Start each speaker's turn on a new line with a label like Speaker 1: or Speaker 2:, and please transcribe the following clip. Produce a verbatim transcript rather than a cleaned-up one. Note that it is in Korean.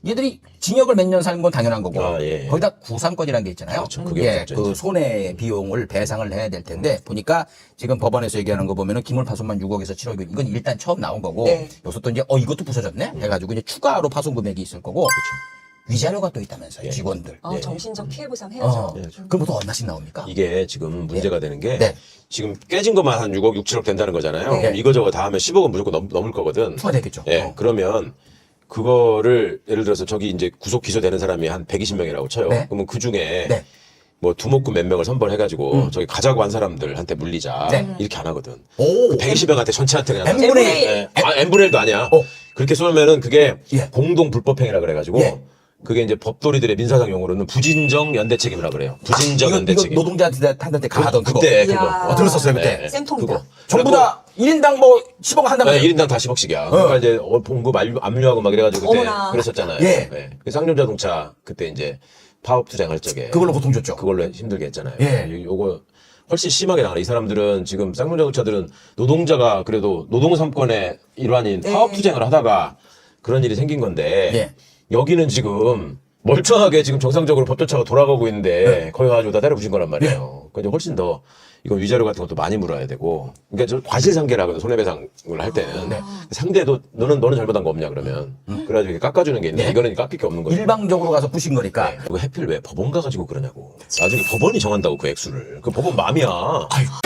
Speaker 1: 얘들이 징역을 몇 년 사는 건 당연한 거고
Speaker 2: 아, 예, 예.
Speaker 1: 거기다 구상권이라는 게 있잖아요.
Speaker 2: 그렇죠. 그게
Speaker 1: 예,
Speaker 2: 없었죠,
Speaker 1: 그
Speaker 2: 이제.
Speaker 1: 손해 비용을 배상을 해야 될 텐데 보니까 지금 법원에서 얘기하는 거 보면은 기물 파손만 육억에서 칠억 이건 일단 처음 나온 거고
Speaker 3: 네.
Speaker 1: 여기서 또 이제 어 이것도 부서졌네 해가지고 이제 추가로 파손 금액이 있을 거고 위자료가 또 있다면서요.
Speaker 2: 예.
Speaker 1: 직원들.
Speaker 3: 어,
Speaker 2: 예.
Speaker 3: 정신적 피해 보상
Speaker 1: 어,
Speaker 3: 해야죠.
Speaker 1: 그럼 보통 얼마씩 나옵니까?
Speaker 2: 이게 지금 문제가 되는 게
Speaker 1: 네.
Speaker 2: 지금 깨진 것만 한 육억, 육, 칠억 된다는 거잖아요.
Speaker 3: 네.
Speaker 2: 그럼 이거저거 다 하면 십억은 무조건 넘, 넘을 거거든.
Speaker 1: 추가되겠죠.
Speaker 2: 예.
Speaker 1: 어.
Speaker 2: 그러면 그거를 예를 들어서 저기 이제 구속 기소되는 사람이 한 백이십 명이라고 쳐요.
Speaker 1: 네.
Speaker 2: 그러면 그 중에
Speaker 1: 네.
Speaker 2: 뭐 두목금 몇 명을 선발해가지고 저기 가자고 한 사람들한테 물리자
Speaker 1: 네.
Speaker 2: 이렇게 안 하거든.
Speaker 1: 오.
Speaker 2: 그 백이십 명한테 전체한테 그냥
Speaker 1: N분의
Speaker 2: 다-
Speaker 1: 일.
Speaker 2: 예. 아, n분의 일도 아니야.
Speaker 1: 어.
Speaker 2: 그렇게 쏘면은 그게
Speaker 1: 예.
Speaker 2: 공동 불법행위라 그래가지고
Speaker 1: 예.
Speaker 2: 그게 이제 법도리들의 민사상 용어로는 부진정 연대 책임이라 그래요. 부진정
Speaker 1: 이거,
Speaker 2: 연대
Speaker 1: 이거
Speaker 2: 책임.
Speaker 1: 노동자한테 가하던 그거.
Speaker 2: 그때
Speaker 3: 이야.
Speaker 2: 그거
Speaker 1: 어, 들었었어요, 그때.
Speaker 2: 예, 예.
Speaker 3: 쌤통이다.
Speaker 2: 그거.
Speaker 1: 전부
Speaker 2: 그래갖고
Speaker 1: 다 일 인당 뭐 십억 한다면
Speaker 2: 네, 일 인당 다 십억씩이야. 그러니까 이제 어, 봉급 압류- 압류하고 막 이래가지고 그때
Speaker 3: 어머나.
Speaker 2: 그랬었잖아요.
Speaker 1: 예.
Speaker 2: 네. 그래서 쌍용자동차 그때 이제 파업 투쟁할 적에
Speaker 1: 그걸로 보통 줬죠.
Speaker 2: 그걸로 힘들게 했잖아요.
Speaker 1: 예.
Speaker 2: 요- 요거 훨씬 심하게 나가네. 이 사람들은 지금 쌍용자동차들은 노동자가 그래도 노동 삼권의 일환인
Speaker 3: 네.
Speaker 2: 파업 투쟁을 하다가 그런 일이 생긴 건데
Speaker 1: 예.
Speaker 2: 여기는 지금 멀쩡하게 지금 정상적으로 법조차가 돌아가고 있는데 거기 가지고 다 때려 부신 거란 말이에요. 그러니까 이제 훨씬 더 이건 위자료 같은 것도 많이 물어야 되고 그러니까 저 과실상계라거든 손해배상을 할 때는 상대도 너는 너는 잘못한 거 없냐 그러면 그래가지고 이렇게 깎아주는 게 있는데 이거는 깎일 게 없는 거죠.
Speaker 1: 일방적으로 가서 부신 거니까.
Speaker 2: 네. 그거 해필 왜 법원 가가지고 그러냐고. 나중에 법원이 정한다고 그 액수를. 그 법원 맘이야.
Speaker 1: 아유,